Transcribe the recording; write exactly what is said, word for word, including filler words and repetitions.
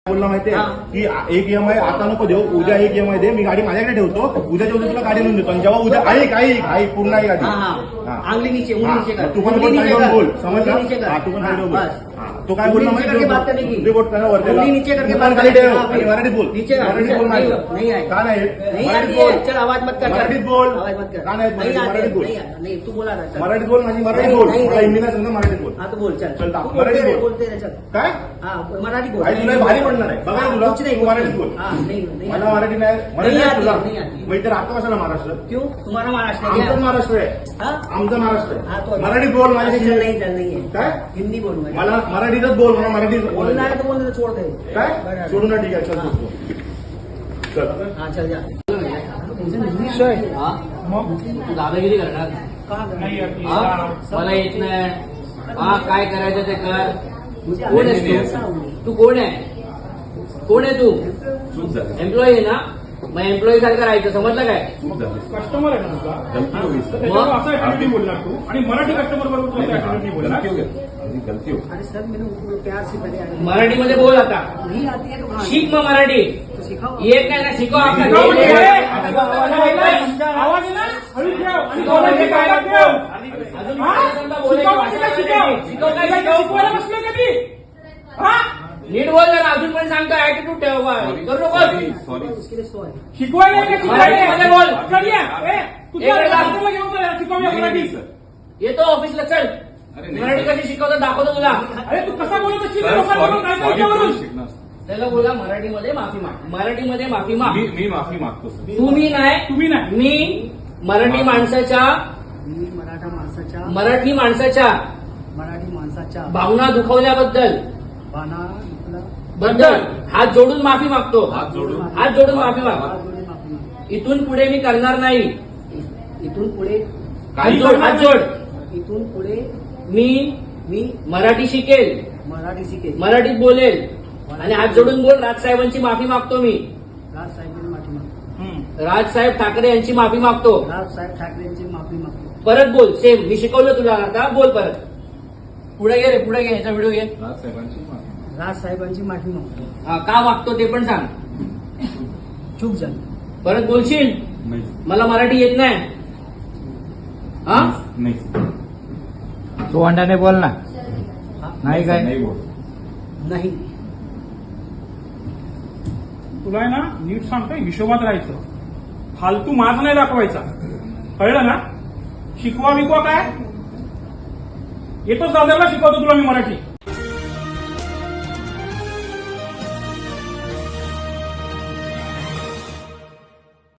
बोलला माहितीये की एक ईएमआय आता नको देऊ, उद्या एक ईएमआय दे, मी गाडी माझ्याकडे ठेवतो, उद्याच्या उद्या तुला गाडी लिहून देतो. आणि जेव्हा उद्या ऐक ऐक ऐक पूर्ण आहे गाडी. आंगली नीचे, उंगली नीचे कर. तू पण बोल, साईडवर बोल, समजला? हा तू पण साईडवर बोल. तो काय बोलला माहिती तुझे बोट त्याला वरती नीचे करके बात खाली ठेव आणि मराठीत बोल. नीचे मराठीत बोल. नहीं नाही आहे का नाही नहीं मराठीत बोल. चल आवाज मत कर, मराठीत बोल. आवाज मत कर. का नाही मराठीत बोल. नहीं तू बोला ना. मराठीत बोल, माझी मराठीत बोल. मला हिंदी नाही समजा, मराठीत बोल. हाँ तो बोल चल. चल तू मराठीत बोल. बोलते रहे, चल. काय हाँ मराठी बोल. आई तुला भारी पडणार आहे बघा तुला. कुछ नहीं तू मराठीत बोल. हाँ नहीं नहीं मला मराठी नाही मराठी नहीं नाही आती, तुला. नहीं आती. मग इथे राहतो कशाला महाराष्ट्र? क्यों तुम्हारा महाराष्ट्र है आमचं क्या? महाराष्ट्र आहे. हाँ? आमचं महाराष्ट्र हाँ आहे. तो मराठीत बोल अरे माझ्याशी. चल नहीं चल नहीं है. काय हिंदी बोल मुझे. मला मराठीतच बोल, मला मराठीत बोलना है तो बोलने तो छोड़ दे. काय सोडू ना. ठीक आहे चल हाँ. चल. हाँ चल जा. हा? तू दादागिरी करणार कहाँ गए? हा? मला येत नाही. हा काय करायचं ते कर. मुझे कोण आगे आहेस नहीं तू? आता. तू कोण आहे? कोण आहे तू? एम्प्लॉई आहे ना? मग एम्प्लॉई सारखं राहायचं, समजलं काय? कस्टमर आहे ना तुझा मग? त्याच्यावर असा ऍटिट्यूड बोलणार तू आणि मराठी कस्टमर बरोबर तू असा ऍटिट्यूड बोलणार. अरे सर मैंने उनको प्यार से पहले आने- मराठीमध्ये बोल आता. नहीं आती है तो कहाँ? शिक मग मराठी. तो सिखाओ. येत नाही ना शिकव. आपला शिकव म्हणजे हे- काय? आता आवाज आहे. आवाज आहे ना हळू ठेव आणि शिकव म्हणजे काय? डोक्यात ठेव. अजून हा? पहिल्यांदा बोलायची शिकव भाषा म्हणजे शिकव. शिकव. शिकव काय तुला शिकव? शिकवायला बसलोय कधी? हा? नीट बोल जरा. अजून पण सांगतो ऍटिट्यूड ठेव बा. करू नको. उसके लिए सॉरी. शिकवायला आहे का मराठीमध्ये बोल. कधी आहे? ए, तुझ्या एक वेळा. दादाला घेऊन जा, शिकवूया मराठी. येतो ऑफिसला चल. मराठी कशी शिकवतो दाखवतो तुला. अरे तू कसा बोलत असशील त्या लोकांबरोबर काय काय त्यावरून? त्याला बोला मराठीमध्ये माफी माग. मराठीमध्ये माफी माग. मी मी माफी मागतो सर. तुम्ही नाही, तुम्ही नाही. मी मराठी माणसाच्या मी मराठा माणसाच्या मराठी माणसाच्या मराठी माणसाच्या भावना दुखवल्याबद्दल बाणा आपला बद्दल हात जोडून माफी मागतो. हात जोडून हात जोडून माफी माग. हात जोडून माफी मागतो. इथून पुढे मी करणार नाही. इथून पुढे हात जोड. हात जोड. इथून पुढे मी मी मराठी शिकेल, मराठी शिकेल. मराठीत बोलेल आणि हात जोडून बोल. राजसाहेबांची माफी मागतो मी. राज साहेबांची माफी मागतो. राजसाहेब ठाकरे यांची माफी मागतो. राज साहेब ठाकरेंची माफी मागतो. परत बोल. सेम मी शिकवलं तुला, आता बोल परत. पुढे घे रे, पुढे घे. ह्याचा व्हिडिओ घे. राजसाहेबांची माफी. राज साहेबांची माफी मागतो. हा, का मागतो ते पण सांग. चूक झाली. परत बोलशील. नाही मला मराठी येत नाही. हा नाही तू अंडाने बोल ना. नाही काय नाही बोल. नाही. तुला आहे ना नीट सांगतोय हिशोबात राहायचं. फालतू माज नाही दाखवायचा, कळलं ना? शिकवा बिकवा काय? येतोच दादाला शिकवतो तुला मी मराठी.